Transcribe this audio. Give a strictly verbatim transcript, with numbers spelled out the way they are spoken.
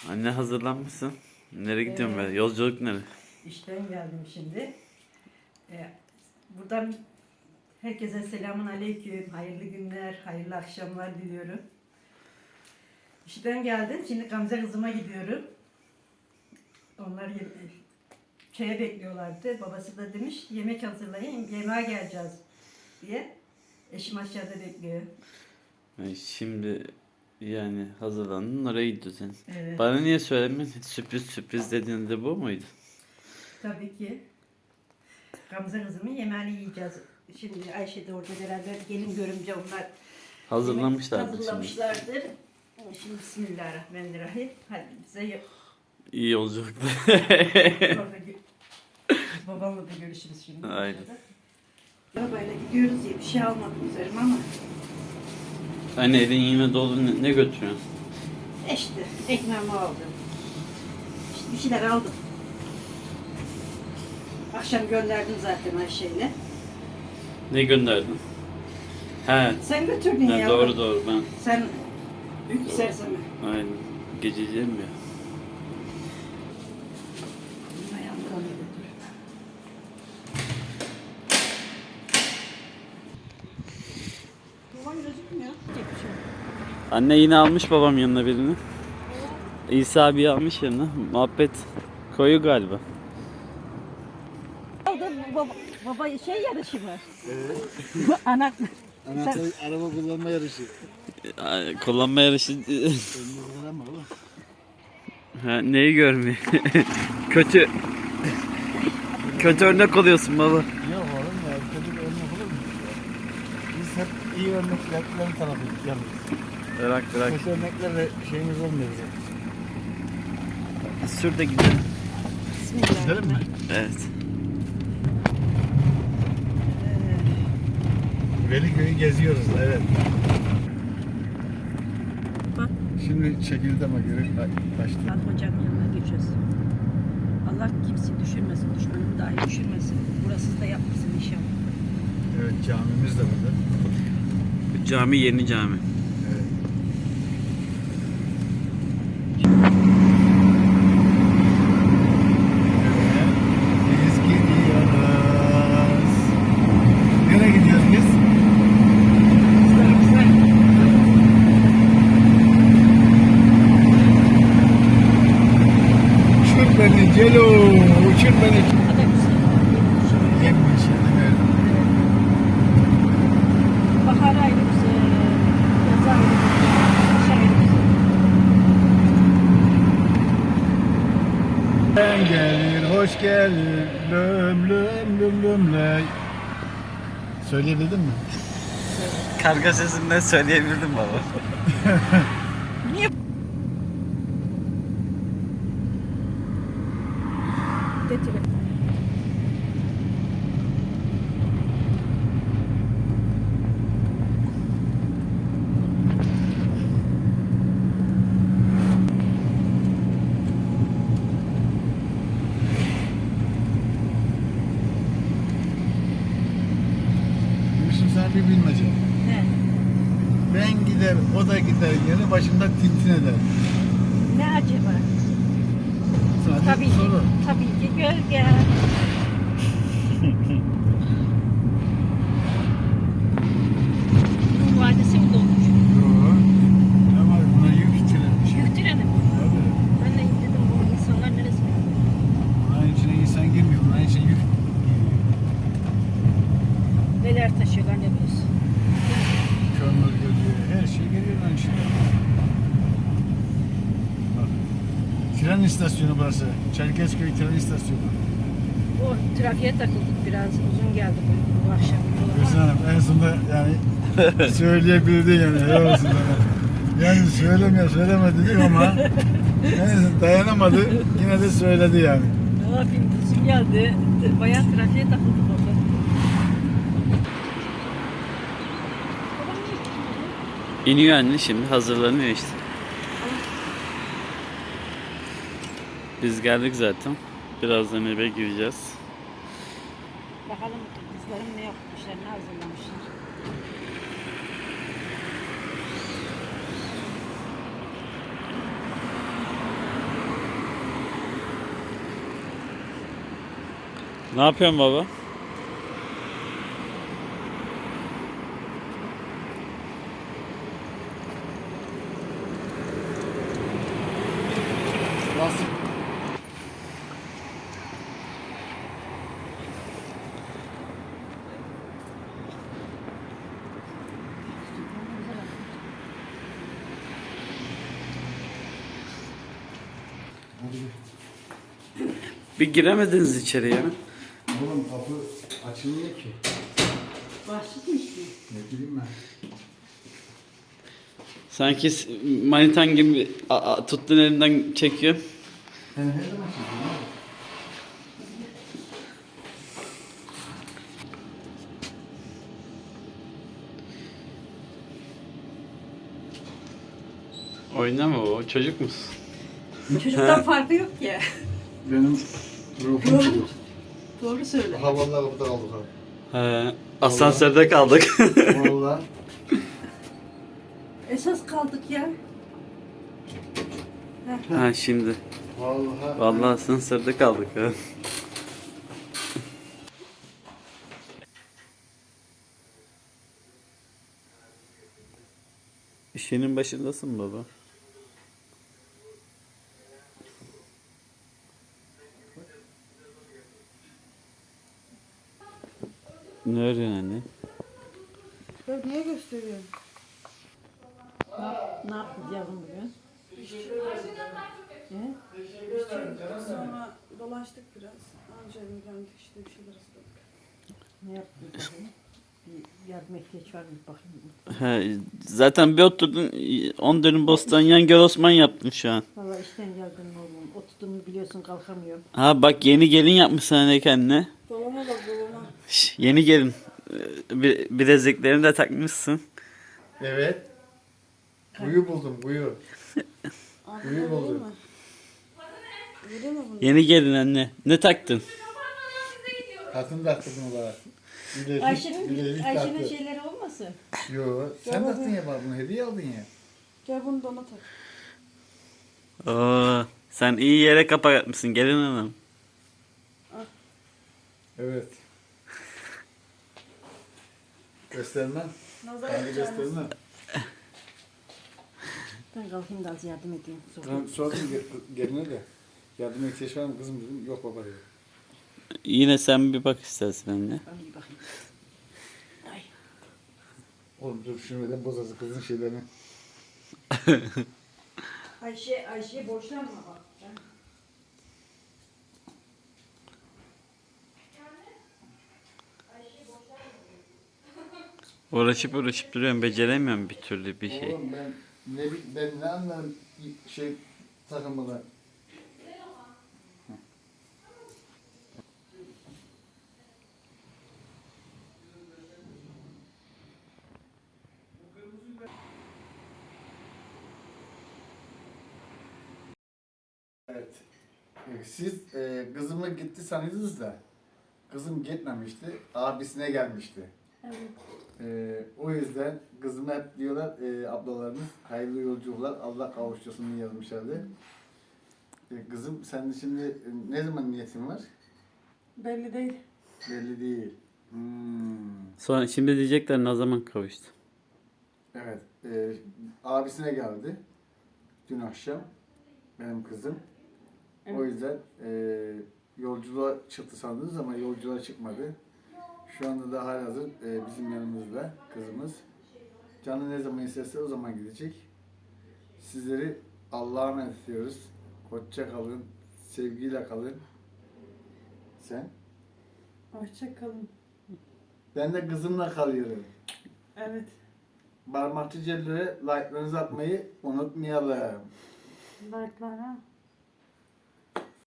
Anne hazırlanmışsın. Nereye gidiyorsun Evet. be? Yolculuk nereye? İşten geldim şimdi. Ee, buradan herkese selamun aleyküm. Hayırlı günler, hayırlı akşamlar diliyorum. İşten geldim. Şimdi Gamze kızıma gidiyorum. Onlar ye- çaya bekliyorlardı. Babası da demiş yemek hazırlayın, yemeğe geleceğiz diye. Eşim aşağıda bekliyor. Ay, şimdi yani hazırlandın oraya gidiyorsun. Evet. Bana niye söylemedin? Sürpriz sürpriz dediğinde bu muydu? Tabii ki. Gamze kızımın yemeğini yiyeceğiz. Şimdi Ayşe de orada beraber gelin görümce onlar Hazırlamışlardı yemek şimdi. hazırlamışlardır. Şimdi Bismillahirrahmanirrahim. Hadi bize y- İyi yolculuklar. orada gö- babamla da görüşürüz şimdi. Aynen. Arabayla gidiyoruz diye bir şey almadım üzerime ama Anne elin yine dolu, ne, ne götürüyorsun? işte ekmeğimi aldım. İşte bir şeyler aldım. Akşam gönderdim zaten Ayşe'yle. Ne gönderdin? He. Sen götürdün Ben ya. doğru doğru ben. Sen büyük serseme. Aynen. Gececiğim ya. Ayağımı da götür. Babam gözükmüyor. Tek bir şey. Anne yine almış babam yanına birini. İsa abi almış yanına. Muhabbet koyu galiba. Aldı baba, baba şey yarışı mı? Evet. Anak. Anahtar araba kullanma yarışı. Ay, Kullanma yarışı. Önünü kullanma oğlum. Ha, neyi görmüyor? Kötü. Kötü örnek oluyorsun baba. Yok oğlum ya, kötü bir örnek olur mu? Biz hep iyi örneklerin tarafıyız yalnız. Bırak bırak. Kötü örneklerle şeyimiz olmuyor bizim. Sür de gidelim. Gidelim mi? Evet. Veliköy'ü geziyoruz, evet. Bak. Şimdi çekildeme göre kaçtı. Al hocanın yanına geçiyoruz. Allah kimse düşürmesin, düşmanını dahi düşürmesin. Burası da yapmasın inşallah. Evet, camimiz de burada. Cami yeni cami. Evet. Biz gidiyoruz. Nereye gidiyoruz biz? Güzel güzel. Uçur beni Celo, uçur beni. Hadi güzel. Yemmiş evet. Bahar ayrı güzel. Yaz ayrı güzel. Kış ayrı güzel. Sen gelir, hoş gelir, lüm lüm lüm lüm ley. Söyleyebildin mi? Karga sesinden söyleyebildim baba. Getir. Şimdi sana bir bilmece. Ne? Ben gider, o da gider, yanı başında tintin eder. Ne acaba? Sadece Tabii ki, soru. tabii ki gölge. Bunun vadisi mi dolmuş? Yok. Ama buna yük çilemiş. Yük treni mi? Tabii. Ben de dedim bu insanlar neresi? Bunun içine insan girmiyor, bunun içine yük giriyor. Neler taşıyorlar ne biliyorsun? Kömür geliyor, her şey geliyor lan içine. Bak. Tren istasyonu burası. Çerkezköy tren istasyonu. O trafiğe takıldık biraz uzun geldi bu, bu akşam. Gülsün Hanım en sonunda yani söyleyebildi yani. Helal olsun sana. Yani söyleme söyleme dedik ama yani dayanamadı yine de söyledi yani. Ne yapayım uzun geldi. Bayağı trafiğe takıldık orada. İniyor anne şimdi hazırlanıyor işte. Biz geldik zaten. Birazdan eve gireceğiz. Bakalım kızlarım ne yapmışlar, ne hazırlamışlar. Ne yapıyorsun baba? Nasıl? Bir giremediniz içeri ya. Oğlum kapı açılmıyor ki. Başlamıştı. Ne bileyim ben. Sanki s- manitan gibi a- a- tuttun elinden çekiyor. Sen her zaman çekiyorsun. Oynama o çocuk musun? Çocuktan farkı yok ya. Benim ruhum Doğru. çocuk. Doğru söyle. Ha vallahi kapıda kaldık ha. He, asansörde kaldık. Vallahi. Esas kaldık ya. Ha şimdi. Vallahi. Vallahi asansörde kaldık ha. İşinin başındasın baba. Ne örüyorsun anne? Ya niye gösteriyorsun? Ne, yap, ne yaptın yavrum bugün? Ne? Sonra dolaştık biraz. Anca geldik işte bir şeyler ısladık. Ne yaptın bakayım? Bir yardım ihtiyaç var mı bakayım. He, zaten bir oturdun on dönüm bostan yan göl Osman yaptın şu an. Valla işten geldim oğlum. Oturduğumu biliyorsun kalkamıyorum. Ha bak yeni gelin yapmışsın anne kendine. Dolama bak dolama. Şş, yeni gelin. Ee, Bir, bileziklerini de takmışsın. Evet. Kuyu buldum kuyu. Abi Kuyu vereyim buldum. mi? Vereyim mi bunu? Yeni gelin anne. Ne taktın? Hatun taktı bunu bana. Bilezik, Ayşe'nin bilezik Ayşe'nin taktı. şeyleri olmasın? Yo, sen taktın ya bana bunu hediye aldın ya. Gel bunu da ona tak. Oo, sen iyi yere kapak atmışsın gelin hanım. Evet. Göstermem. Nazar Ben de yapacağınız. göstermem. Ben kalkayım da az yardım edeyim. Sonra. Ben sordum ge- geline de. Yardıma ihtiyaç var mı kızım dedim. Yok baba dedi. Yine sen bir bak istersen anne. Ben bir bakayım. Ay. Oğlum dur şunu neden bozasın kızın şeylerini. Ayşe, Ayşe borçlanma bak. Ben... Uğraşıp uğraşıp duruyorum beceremiyorum bir türlü bir şey. Oğlum ben ne bi- ben ne anlarım şey takılmadan. Evet. Ee, Siz e, kızımı gitti sanıyordunuz da kızım gitmemişti. Abisine gelmişti. Evet. Ee, o yüzden kızıma hep diyorlar e, ablalarımız hayırlı yolculuklar Allah kavuştursun diye yazmışlardı. E, kızım sen şimdi e, ne zaman niyetin var? Belli değil. Belli değil. Hmm. Sonra şimdi diyecekler ne zaman kavuştu. Evet. E, abisine geldi. Dün akşam benim kızım. O yüzden e, yolculuğa çıktı sandınız ama yolculuğa çıkmadı. Şu anda da halihazır e, bizim yanımızda kızımız. Canı ne zaman isterse o zaman gidecek. Sizleri Allah'a emanet ediyoruz. Hoşça kalın. Sevgiyle kalın. Sen? Hoşça kalın. Ben de kızımla kalıyorum. Evet. Parmakçı Celle'ye like'larınızı atmayı unutmayalım. Like'lara.